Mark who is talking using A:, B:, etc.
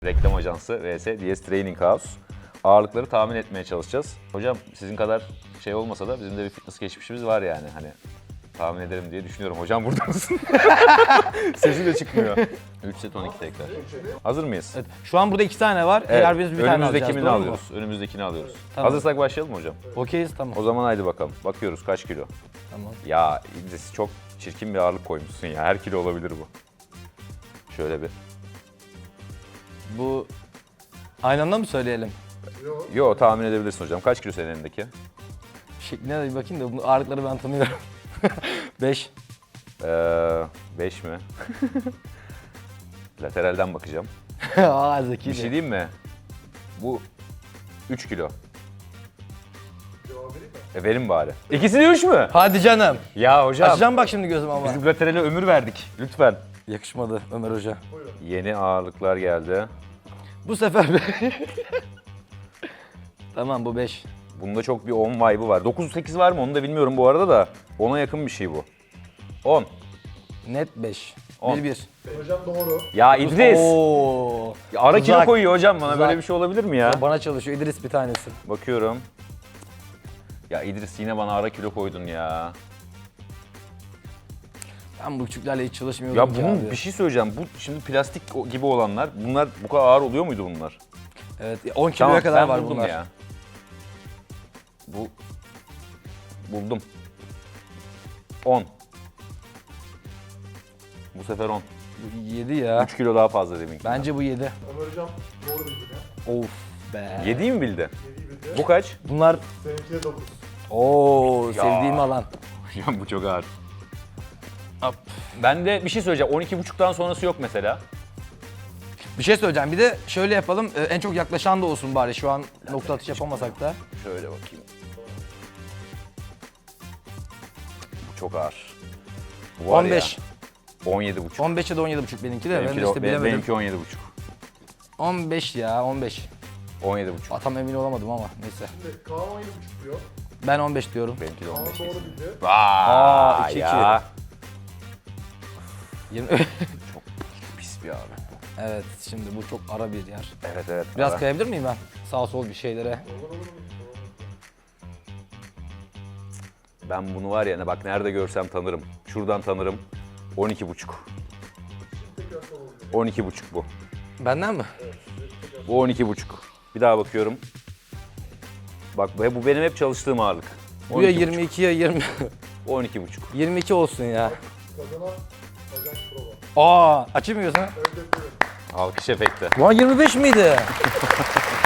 A: Reklam ajansı vs DS Training House. Ağırlıkları tahmin etmeye çalışacağız. Hocam sizin kadar şey olmasa da bizim de bir fitness geçmişimiz var yani. Hani tahmin ederim diye düşünüyorum. Hocam burada mısın? Sesi de çıkmıyor. 3 set 12 tekrar. Hazır mıyız?
B: Evet. Şu an burada 2 tane var.
A: Evet.
B: Eğer biz bir tane alacağız.
A: Önümüzdekini
B: Doğru mu?
A: alıyoruz. Önümüzdekini alıyoruz.
B: Tamam.
A: Hazırsak başlayalım mı hocam?
B: Okeyiz, tamam.
A: O zaman haydi bakalım. Bakıyoruz kaç kilo?
B: Tamam.
A: Ya İdris çok çirkin bir ağırlık koymuşsun ya. Her kilo olabilir bu. Şöyle bir.
B: Bu aynı anda mı söyleyelim?
A: Yo tahmin edebilirsin hocam. Kaç kilo senin elindeki?
B: Şekline de bir bakayım da bu ağırlıkları ben tanıyorum. 5.
A: 5 mi? Lateralden bakacağım.
B: Aa zekice.
A: Bir şey diyeyim mi? Bu 3 kilo. Verin bari. İkisi de 3 mü?
B: Hadi canım.
A: Ya hocam.
B: Açacağım bak şimdi gözüm ama.
A: Biz laterale ömür verdik. Lütfen.
B: Yakışmadı Ömer Hoca.
A: Yeni ağırlıklar geldi.
B: Bu sefer Tamam bu 5.
A: Bunda çok bir 10 vibe'ı var. 9-8 var mı onu da bilmiyorum bu arada da. 10'a yakın bir şey bu. 10.
B: Net 5.
A: 10.
B: 1-1.
C: Hocam doğru.
A: Ya İdris.
B: Oo.
A: Ya ara kilo
B: Uzak.
A: koyuyor hocam bana.
B: Uzak.
A: Böyle bir şey olabilir mi ya?
B: Bana çalışıyor İdris bir tanesi.
A: Bakıyorum. Ya İdris yine bana ara kilo koydun ya.
B: Ben bu küçüklerle hiç çalışmıyordum
A: Ya
B: ki
A: bunun
B: abi.
A: bir şey söyleyeceğim. Bu şimdi plastik gibi olanlar. Bunlar bu kadar ağır oluyor muydu bunlar?
B: Evet 10 kiloya kadar
A: ben
B: var
A: buldum
B: bunlar.
A: ya. Buldum. 10. Bu sefer 10.
B: Bu 7 ya.
A: 3 kilo daha fazla deminki.
B: Bence bu 7.
C: Ömer hocam doğru bildi ya.
B: Of be.
A: 7'yi mi bildi?
C: 7'yi bildi.
A: Bu kaç?
B: Bunlar
C: Seninki de 9.
B: Oo sevdiğim alan.
A: Hocam bu çok ağır.
B: Hop.
A: Ben de bir şey söyleyeceğim. 12.5'tan sonrası yok mesela.
B: Bir şey söyleyeceğim. Bir de şöyle yapalım. En çok yaklaşan da olsun bari. Şu an nokta atış yapamasak da.
A: Şöyle bakayım. Bu çok ağır. Bu var
B: 15.
A: Ya, 17.5.
B: 15 ya da 17,5 benimki de. Ben de
A: Benimki,
B: işte bilemedim.
A: benimki 17.5.
B: 15 ya 15.
A: 17.5.
B: Tam emin olamadım ama neyse.
C: Şimdi Kaan 17.5 diyor.
B: Ben 15 diyorum.
A: Benimki de
C: Kaan
A: 15.
C: doğru bildi.
A: Vay
B: 2-2.
A: ya.
B: 20...
A: Çok pis bir abi.
B: evet şimdi bu çok ara bir yer.
A: Evet evet.
B: Biraz
A: ara.
B: kayabilir miyim ben? Sağ sol bir şeylere.
A: Ben bunu var ya ne bak nerede görsem tanırım. Şuradan tanırım. 12.5. 12.5 bu.
B: Benden mi?
A: Bu 12.5. Bir daha bakıyorum. Bak bu benim hep çalıştığım ağırlık.
B: Bu ya
A: 12,5.
B: 22 ya 20.
A: 12.5.
B: 22 olsun ya.
C: Kazanan Ajans Prova.
B: Açayım mı gözünü?
C: Evet, evet, evet.
A: Alkış efekti.
B: Lan 25 miydi?